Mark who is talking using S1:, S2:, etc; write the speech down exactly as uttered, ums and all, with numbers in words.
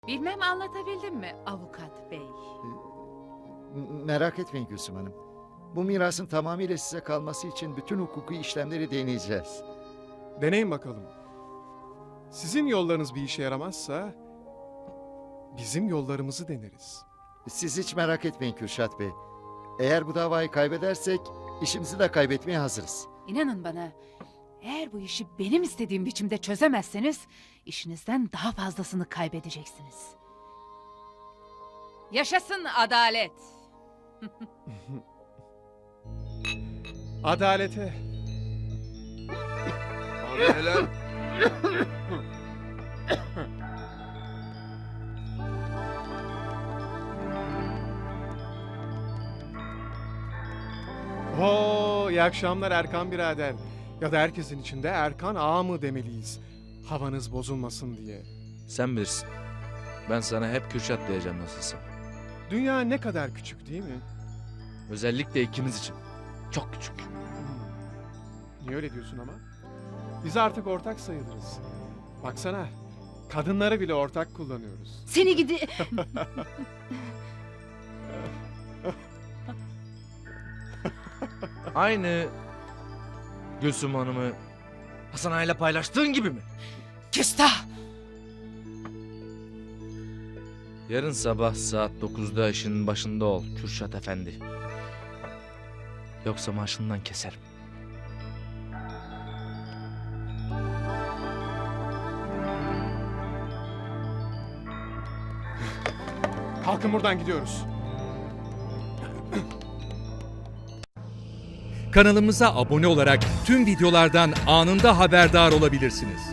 S1: Bilmem anlatabildim mi avukat bey?
S2: M- Merak etmeyin Gülsüm Hanım. Bu mirasın tamamıyla size kalması için bütün hukuki işlemleri deneyeceğiz.
S3: Deneyin bakalım. Sizin yollarınız bir işe yaramazsa bizim yollarımızı deneriz.
S2: Siz hiç merak etmeyin Kürşat Bey. Eğer bu davayı kaybedersek işimizi de kaybetmeye hazırız.
S1: İnanın bana, eğer bu işi benim istediğim biçimde çözemezseniz işinizden daha fazlasını kaybedeceksiniz. Yaşasın adalet.
S3: Adalete.
S4: Hadi helal.
S3: Oo, iyi akşamlar Erkan birader. Ya da herkesin içinde Erkan ağa mı demeliyiz? Havanız bozulmasın diye.
S4: Sen bilirsin. Ben sana hep Kürşat diyeceğim nasılsa.
S3: Dünya ne kadar küçük değil mi?
S4: Özellikle ikimiz için. Çok küçük.
S3: Niye öyle diyorsun ama? Biz artık ortak sayılırız. Baksana, kadınları bile ortak kullanıyoruz.
S1: Seni gidi...
S4: Aynı Gülsüm Hanım'ı Hasan Ağa'yla paylaştığın gibi mi?
S1: Küstah!
S4: Yarın sabah saat dokuzda işinin başında ol Kürşat Efendi. Yoksa maaşından keserim.
S3: Kalkın buradan gidiyoruz.
S5: Kanalımıza abone olarak tüm videolardan anında haberdar olabilirsiniz.